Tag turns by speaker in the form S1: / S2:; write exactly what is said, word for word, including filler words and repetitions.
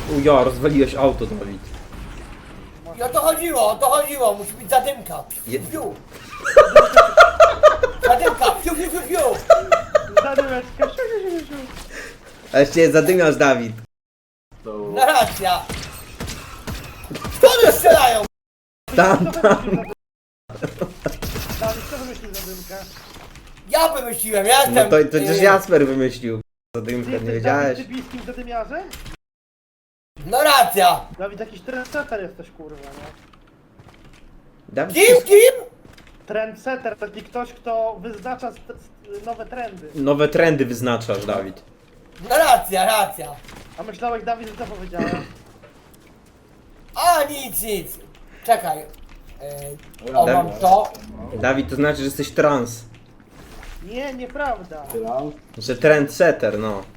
S1: Uja, rozwaliłeś auto, Dawid.
S2: I o to chodziło, o to chodziło, musi być zadymka.
S1: Je-
S2: Fiu. Zadymka, fiu, fiu, fiu, fiu.
S3: Zadymeczka, siu, siu, siu, siu.
S1: A jeszcze zadymiasz, Dawid.
S2: Na racja. Skąd strzelają?
S1: Tam, tam.
S3: Dawid, kto wymyślił zadymkę?
S2: Ja wymyśliłem, ja
S1: No
S2: jestem...
S1: to, to przecież
S2: y,
S1: Jasper wymyślił.
S3: Ty
S1: Zadymkę, nie
S3: jesteś
S1: wiedziałeś?
S3: Dawid tybijskim zadymiarzem?
S2: No racja.
S3: Dawid, jakiś trendsetter jesteś, kurwa, nie?
S1: Dawid,
S2: Kim, kim?
S3: Trendsetter, taki ktoś, kto wyznacza st- st- nowe trendy.
S1: nowe trendy wyznaczasz, Dawid.
S2: No racja, racja.
S3: A myślałeś, Dawid, że co powiedziałem?
S2: A nic, nic. Czekaj. Yy, o, mam
S1: Dawid.
S2: to.
S1: Dawid, to znaczy, że jesteś trans.
S3: Nie, nieprawda.
S1: Że trendsetter, no.